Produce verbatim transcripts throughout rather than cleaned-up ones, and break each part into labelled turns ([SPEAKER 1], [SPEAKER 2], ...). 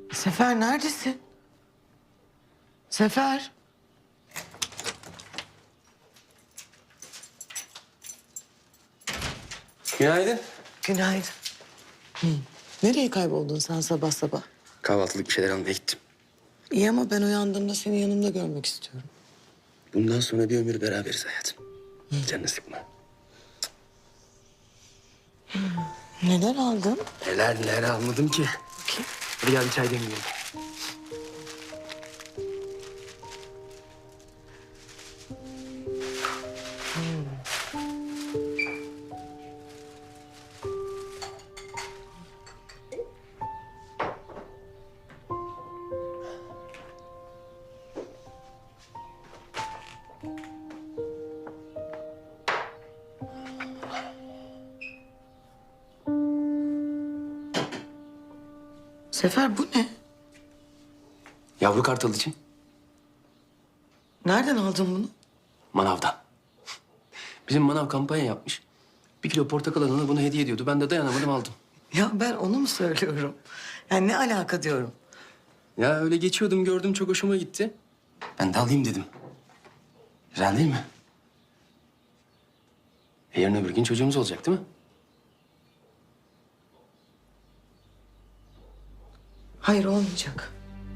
[SPEAKER 1] Sefer neredesin? Sefer.
[SPEAKER 2] Günaydın.
[SPEAKER 1] Günaydın. Hı. Nereye kayboldun sen sabah sabah?
[SPEAKER 2] Kahvaltılık bir şeyler almaya gittim.
[SPEAKER 1] İyi ama ben uyandığımda seni yanımda görmek istiyorum.
[SPEAKER 2] Bundan sonra bir ömür beraberiz hayatım. Canını sıkma.
[SPEAKER 1] Neler aldın?
[SPEAKER 2] Neler neler almadım ki.
[SPEAKER 1] Bakayım.
[SPEAKER 2] Hadi gel bir çay demleyelim.
[SPEAKER 1] Sefer bu ne?
[SPEAKER 2] Yavru kartal için
[SPEAKER 1] Nereden aldın bunu?
[SPEAKER 2] manavdan. Bizim manav kampanya yapmış. Bir kilo portakal alana bunu hediye ediyordu. Ben de dayanamadım aldım.
[SPEAKER 1] Ya ben onu mu söylüyorum? Yani ne alaka diyorum.
[SPEAKER 2] Ya öyle geçiyordum gördüm çok hoşuma gitti. Ben de alayım dedim. Güzel değil mi? E yarın öbür gün çocuğumuz olacak değil mi?
[SPEAKER 1] Hayır olmayacak.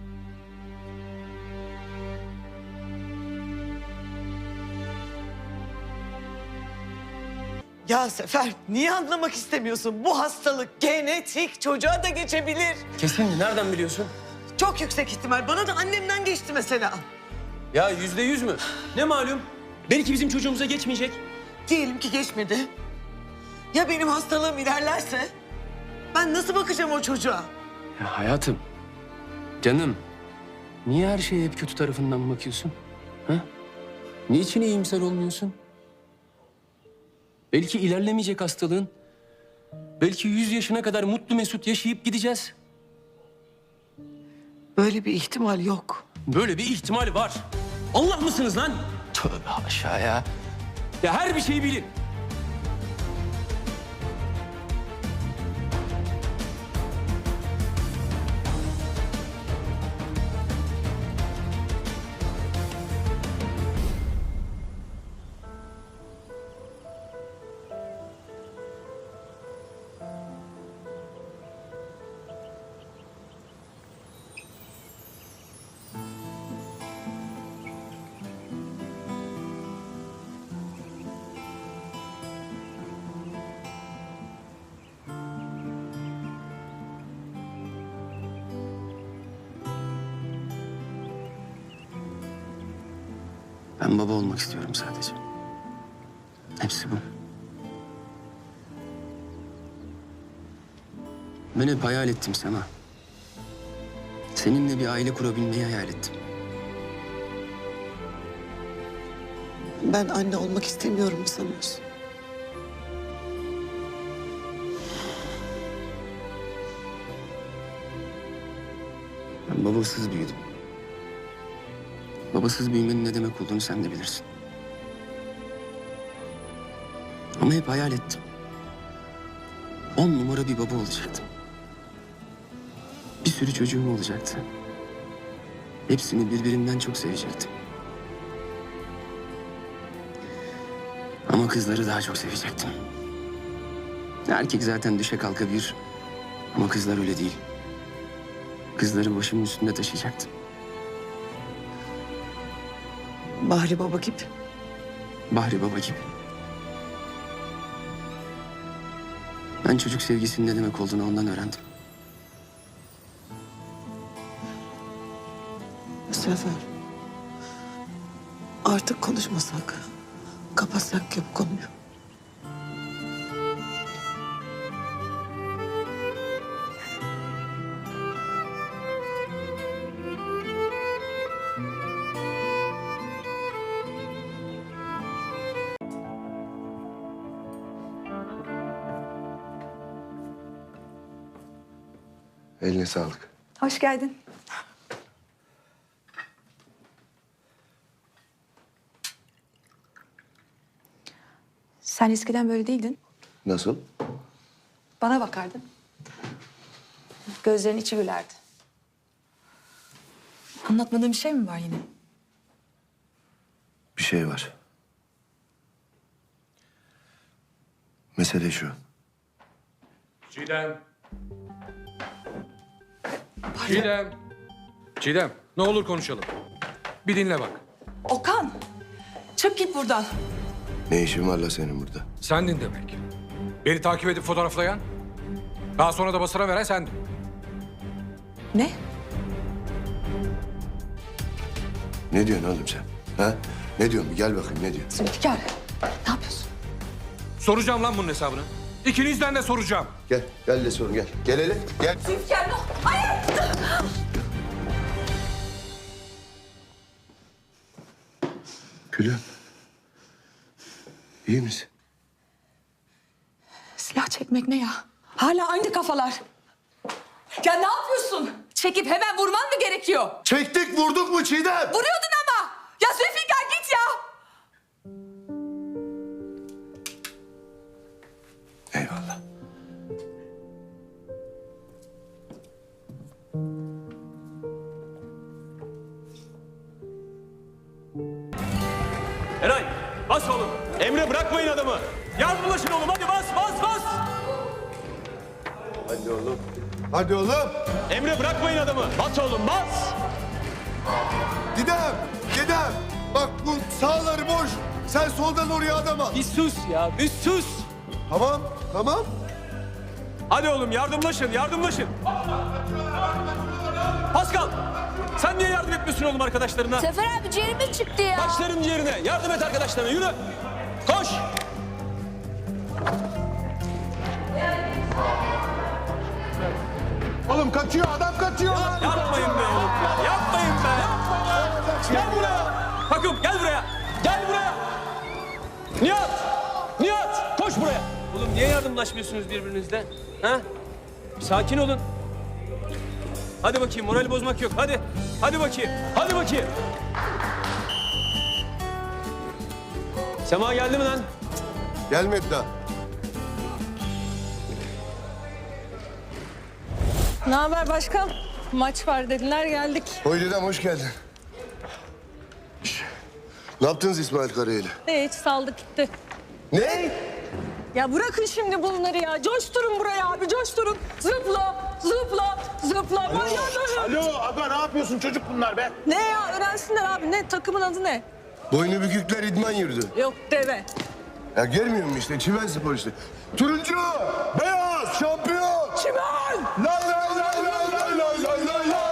[SPEAKER 1] Ya Sefer niye anlamak istemiyorsun? Bu hastalık genetik, çocuğa da geçebilir.
[SPEAKER 2] Kesin mi? Nereden biliyorsun?
[SPEAKER 1] Çok yüksek ihtimal. Bana da annemden geçti mesela.
[SPEAKER 2] Ya yüzde yüz mü? Ne malum? Belki bizim çocuğumuza geçmeyecek.
[SPEAKER 1] Diyelim ki geçmedi. Ya benim hastalığım ilerlerse? Ben nasıl bakacağım o çocuğa?
[SPEAKER 2] Ya hayatım, canım. Niye her şeye hep kötü tarafından bakıyorsun? Ha? Niçin iyimser olmuyorsun? Belki ilerlemeyecek hastalığın. Belki yüz yaşına kadar mutlu mesut yaşayıp gideceğiz.
[SPEAKER 1] Böyle bir ihtimal yok.
[SPEAKER 2] Böyle bir ihtimal var. Allah mısınız lan? Tövbe haşa ya. Ya her bir şeyi bilin. Ben baba olmak istiyorum sadece. Hepsi bu. Ben hep hayal ettim Sema. Seninle bir aile kurabilmeyi hayal ettim.
[SPEAKER 1] Ben anne olmak istemiyorum mu sanıyorsun?
[SPEAKER 2] Ben babasız büyüdüm. Babasız büyümenin ne demek olduğunu sen de bilirsin. Ama hep hayal ettim. On numara bir baba olacaktım. Bir sürü çocuğum olacaktı. Hepsini birbirinden çok sevecektim. Ama kızları daha çok sevecektim. Erkek zaten düşe kalka bir. Ama kızlar öyle değil. Kızları başımın üstünde taşıyacaktım.
[SPEAKER 1] Bahri baba gibi.
[SPEAKER 2] Bahri baba gibi. Ben çocuk sevgisinin ne demek olduğunu ondan öğrendim.
[SPEAKER 1] Sefer. Artık konuşmasak. Kapatsak ya bu konuyu.
[SPEAKER 3] Eline sağlık.
[SPEAKER 4] Hoş geldin. Sen eskiden böyle değildin.
[SPEAKER 3] Nasıl?
[SPEAKER 4] Bana bakardın. Gözlerin içi gülerdi. Anlatmadığım bir şey mi var yine?
[SPEAKER 3] Bir şey var. Mesele şu.
[SPEAKER 5] Çiğdem. Çiğdem. Çiğdem, ne olur konuşalım. Bir dinle bak.
[SPEAKER 4] Okan! Çık git buradan.
[SPEAKER 3] Ne işin var la senin burada?
[SPEAKER 5] Sendin demek. Beni takip edip fotoğraflayan, daha sonra da basına veren sendin.
[SPEAKER 4] Ne?
[SPEAKER 3] Ne diyorsun oğlum sen? Ha? Ne diyorsun? Bir gel bakayım ne diyorsun?
[SPEAKER 4] Zülfikar, ne yapıyorsun?
[SPEAKER 5] Soracağım lan bunun hesabını. İkinizden de soracağım.
[SPEAKER 3] Gel, gel de sorun gel. Gel hele, gel.
[SPEAKER 4] Zülfikar, ne? Hayır!
[SPEAKER 3] Gülüm. İyi misin?
[SPEAKER 4] Silah çekmek ne ya? Hala aynı kafalar. Ya ne yapıyorsun? Çekip hemen vurman mı gerekiyor?
[SPEAKER 3] Çektik, vurduk mu Çiğdem?
[SPEAKER 4] Vuruyordun ama. Ya Zülfikar git ya.
[SPEAKER 3] Eyvallah.
[SPEAKER 6] Eray bas oğlum. Emre bırakmayın adamı. Yardımlaşın oğlum hadi bas bas bas.
[SPEAKER 3] Hadi oğlum. Hadi oğlum.
[SPEAKER 6] Emre bırakmayın adamı. Bas oğlum bas.
[SPEAKER 3] Gidem, gidem. Bak bu sağları boş. Sen soldan oraya adam al.
[SPEAKER 6] Bir sus ya bir sus.
[SPEAKER 3] Tamam, tamam.
[SPEAKER 6] Hadi oğlum yardımlaşın yardımlaşın. Pascal sen niye yardım etmiyorsun oğlum arkadaşlarına?
[SPEAKER 7] Sefer abi ciğerimiz çıktı ya.
[SPEAKER 6] Başların yerine yardım et arkadaşlarına yürü. Koş.
[SPEAKER 3] Oğlum kaçıyor, adam kaçıyor lan.
[SPEAKER 6] Yapmayın be oğlum ya yapmayın be. Gel buraya. Takım gel buraya. Gel buraya. Nihat. Nihat koş buraya. Oğlum niye yardımlaşmıyorsunuz birbirinizle? Ha? Sakin olun. Hadi bakayım morali bozmak yok. Hadi. Hadi bakayım. Hadi bakayım. Sema geldi mi lan?
[SPEAKER 3] Gelmedi daha.
[SPEAKER 8] Ne haber başkan? Maç var dediler geldik.
[SPEAKER 3] Hoy dedem hoş geldin. Şş, ne yaptınız İsmail Karayel'i?
[SPEAKER 8] Ne hiç saldık gitti.
[SPEAKER 3] Ne?
[SPEAKER 8] Ya bırakın şimdi bunları ya. Coşturun buraya abi coşturun. Zıpla zıpla zıpla. Alo.
[SPEAKER 9] Alo aga ne yapıyorsun çocuk bunlar be?
[SPEAKER 8] Ne ya öğrensinler abi ne takımın adı ne?
[SPEAKER 3] Boynu bükükler idman yürüdü.
[SPEAKER 8] Yok deve.
[SPEAKER 3] Ya görmüyor musun işte Çimen Spor işte. Turuncu, beyaz, şampiyon.
[SPEAKER 8] Çimen!
[SPEAKER 3] Lay lay lay lay lay lay lay lay lay.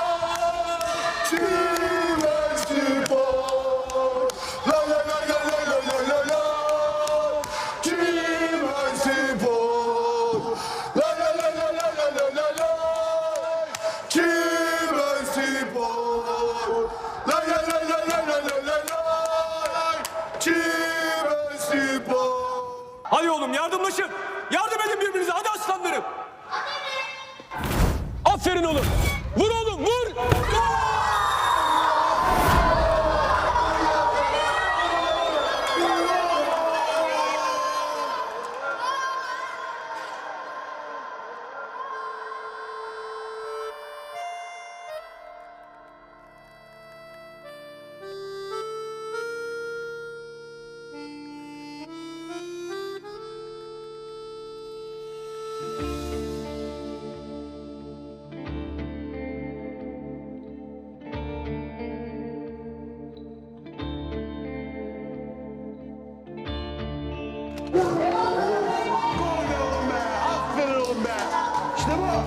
[SPEAKER 3] Çimen Spor. Lay lay lay lay lay lay lay lay lay. Çimen Spor. Lay lay lay lay lay lay lay lay lay. Çimen Spor. Lay lay lay lay lay lay lay lay lay. Çimen Spor.
[SPEAKER 6] Hadi oğlum yardımlaşın. Yardım edin birbirinize. Hadi aslanlarım. Aferin oğlum. Vur oğlum vur.
[SPEAKER 9] Aferin oğlum be. İşte bu.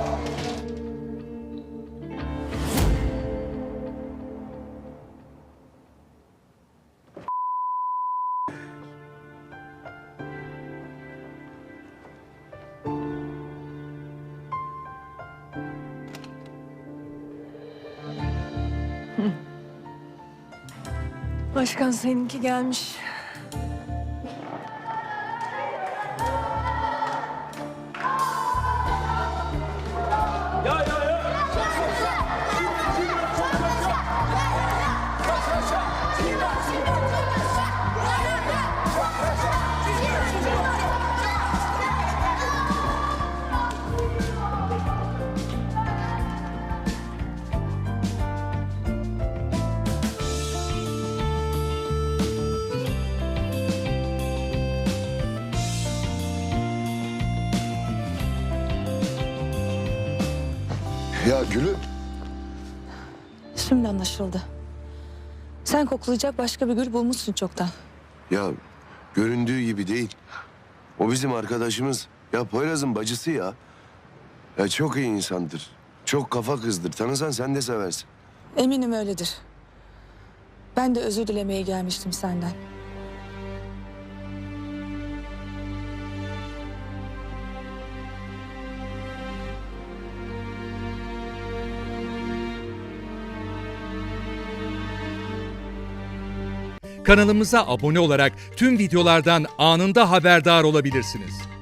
[SPEAKER 8] Başkan seninki gelmiş.
[SPEAKER 6] Ya ya ya.
[SPEAKER 3] Ya Gülüm.
[SPEAKER 4] Şimdi anlaşıldı. Sen koklayacak başka bir gül bulmuşsun çoktan.
[SPEAKER 3] Ya göründüğü gibi değil. O bizim arkadaşımız. Ya Poyraz'ın bacısı ya. Ya çok iyi insandır. Çok kafa kızdır. Tanısan sen de seversin.
[SPEAKER 4] Eminim öyledir. Ben de özür dilemeye gelmiştim senden.
[SPEAKER 10] Kanalımıza abone olarak tüm videolardan anında haberdar olabilirsiniz.